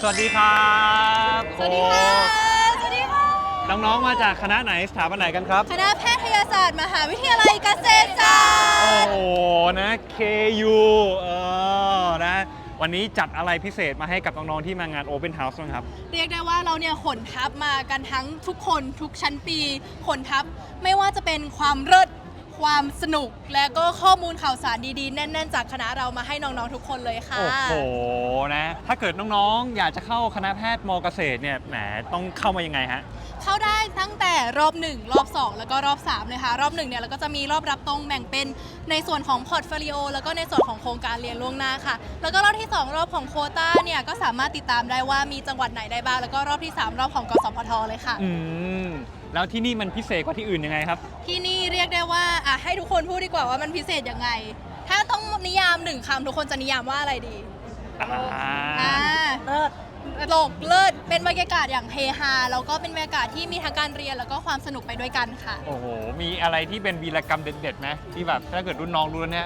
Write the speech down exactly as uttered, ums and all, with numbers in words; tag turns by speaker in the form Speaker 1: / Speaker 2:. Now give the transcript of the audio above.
Speaker 1: วัสดีครับ
Speaker 2: สวัสดีค่ะสวัสดีค่ะ
Speaker 1: น้องๆมาจากคณะไหนสถาบันไหนกันครับ
Speaker 2: คณะแพทยศาสตร์มหาวิทยาลัยเกษตรศาสตร์
Speaker 1: โอ้โหนะ เค ยู เออนะวันนี้จัดอะไรพิเศษมาให้กับน้องๆที่มางาน Open House บ้างครับ
Speaker 2: เรียกได้ว่าเราเนี่ยขนทัพมากันทั้งทุกคนทุกชั้นปีขนทัพไม่ว่าจะเป็นความเลิศความสนุกและก็ข้อมูลข่าวสารดีๆแน่นๆจากคณะเรามาให้น้องๆทุกคนเลยค่ะ
Speaker 1: โอ้โหนะถ้าเกิดน้องๆ อยากจะเข้าคณะแพทย์มเกษตรเนี่ยแหมต้องเข้ามายังไงฮะ
Speaker 2: เข้าได้ตั้งแต่รอบหนึ่งรอบสองแล้วก็รอบสามเลยค่ะรอบหนึ่งเนี่ยเราก็จะมีรอบรับตรงแบ่งเป็นในส่วนของพอร์ตโฟลิโอแล้วก็ในส่วนของโครงการเรียนล่วงหน้าค่ะแล้วก็รอบที่สองรอบของโควต้าเนี่ยก็สามารถติดตามได้ว่ามีจังหวัดไหนได้บ้างแล้วก็รอบที่สามรอบของกสพทเลยค่ะ
Speaker 1: อืม แล้วที่นี่มันพิเศษกว่าที่อื่นยังไงครับ
Speaker 2: ที่นี่เรียกได้ว่าอ่ะให้ทุกคนพูดดีกว่าว่ามันพิเศษยังไง ถ้าต้องนิยามหนึ่งคำทุกคนจะนิยามว่าอะไรดี
Speaker 1: อ่า
Speaker 2: อ่าเลิศโลกเลิศเป็นบรรยากาศอย่างเฮฮาแล้วก็เป็นบรรยากาศที่มีทั้งการเรียนแล้วก็ความสนุกไปด้วยกันค่ะ
Speaker 1: โอ้โห มีอะไรที่เป็นวีรกรรมเด็ดๆไหมที่แบบถ้าเกิดรุ่นน้องรู้แล้วเนี่ย